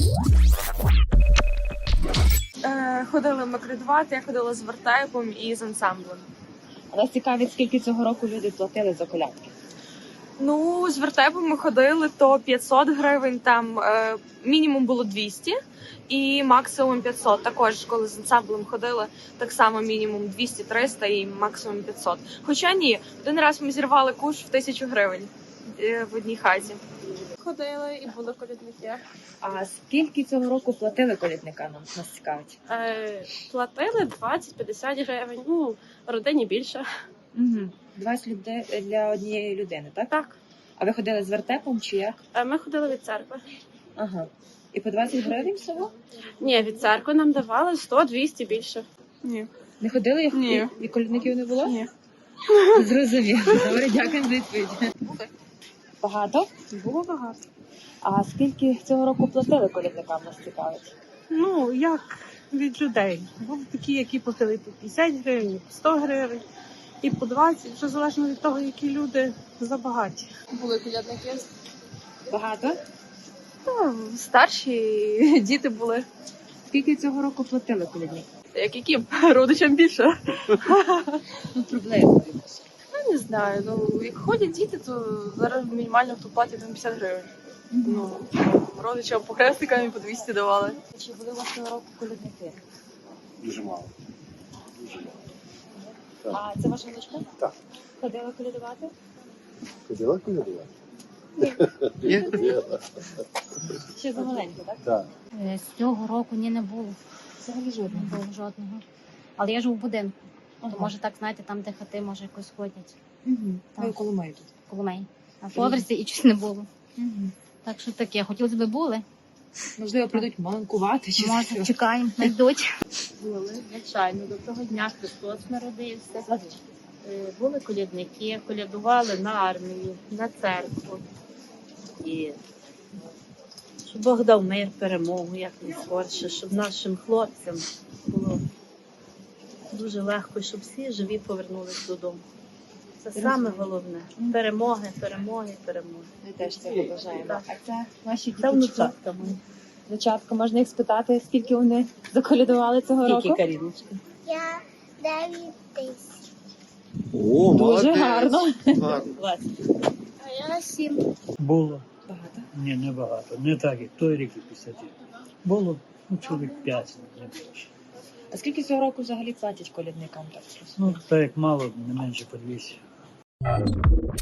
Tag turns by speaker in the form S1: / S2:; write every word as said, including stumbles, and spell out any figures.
S1: Е, ходили макридувати, я ходила з вертепом і з ансамблем.
S2: А нас цікавить, скільки цього року люди платили за колядки?
S1: Ну, з вертепом ми ходили, то п'ятсот гривень, там е, мінімум було двісті і максимум п'ятсот. Також, коли з ансамблем ходили, так само мінімум двісті-триста і максимум п'ятсот. Хоча ні, один раз ми зірвали куш в тисячу гривень е, в одній хаті.
S3: Ходили і були колядники.
S2: А скільки цього року платили колядникам, нам нас цікавить?
S3: Е, платили двадцять-п'ятдесят гривень, ну, родині більше.
S2: Угу. двадцять людей для однієї людини, так?
S3: Так.
S2: А ви ходили з вертепом чи як?
S3: Е, ми ходили від церкви.
S2: Ага. І по двадцять гривень всього?
S3: Ні, від церкви нам давали сто-двісті більше.
S1: Ні.
S2: Не ходили і,
S1: Ні.
S2: і, і колядників не було?
S1: Ні.
S2: Зрозуміло. Добре, дякую за відповідь. Багато?
S3: Було багато.
S2: А скільки цього року платили колядникам, нас цікавить?
S4: Ну, як від людей. Були такі, які платили по п'ятдесят гривень, і по сто гривень, і по двадцять, вже залежно від того, які люди забагаті.
S1: Були колядники.
S2: Багато?
S1: Ну, старші діти були.
S2: Скільки цього року платили колядникам?
S1: Як яким? Родичам більше.
S2: Ну, приблизно.
S1: Я не знаю. Ну, як ходять діти, то зараз мінімально хто платить там п'ятдесят гривень. Ну, родичам по хрестикам і по двісті давали.
S2: Чи були у вас цього року колядники?
S5: Дуже мало. Дуже мало.
S2: А це ваша дочка?
S5: Так.
S2: Ходила колядувати?
S5: Ходила колядувати?
S2: Ще замаленька, так?
S5: Так.
S6: Е, З цього року ні, не було.
S2: Взагалі
S6: Не
S2: жодного.
S6: було жодного. Але я живу в будинку.
S2: Ага.
S6: То може так, знаєте, там, де хати, може якось ходять.
S2: Угу.
S6: Так.
S2: Ви коло маю тут.
S6: Коло мене. На поверсі і щось не було.
S2: Угу.
S6: Так що таке, хотілося б були.
S2: Можливо, прийдуть маланкувати чи
S6: Може,
S2: що.
S6: чекаємо, знайдуть.
S7: Були, звичайно, до того дня Христос народився. Е, Були колядники, колядували на армію, на церкву. І щоб Бог дав мир, перемогу, як найскорше, щоб нашим хлопцям було дуже легко, щоб всі живі повернулись додому. Це саме головне. Перемоги, перемоги, перемоги.
S2: Ми теж це побажаємо.
S7: Так.
S2: А це наші
S7: Це
S2: діточки.
S7: внучатка моя.
S2: Внучатка, можна їх спитати, скільки вони заколядували цього
S7: Тільки
S2: року?
S7: Каріночка.
S8: Я дев'ять тисяч.
S5: О,
S2: Дуже гарно.
S7: двадцять.
S8: А я сім.
S9: Було.
S2: Багато.
S9: Ні, не багато. Не так, як той рік і п'ятдесят. Було, ну, чоловік п'ять, не більше.
S2: А скільки цього року взагалі платять колядникам? Так,
S9: Ну, так як мало, не менше по двісті.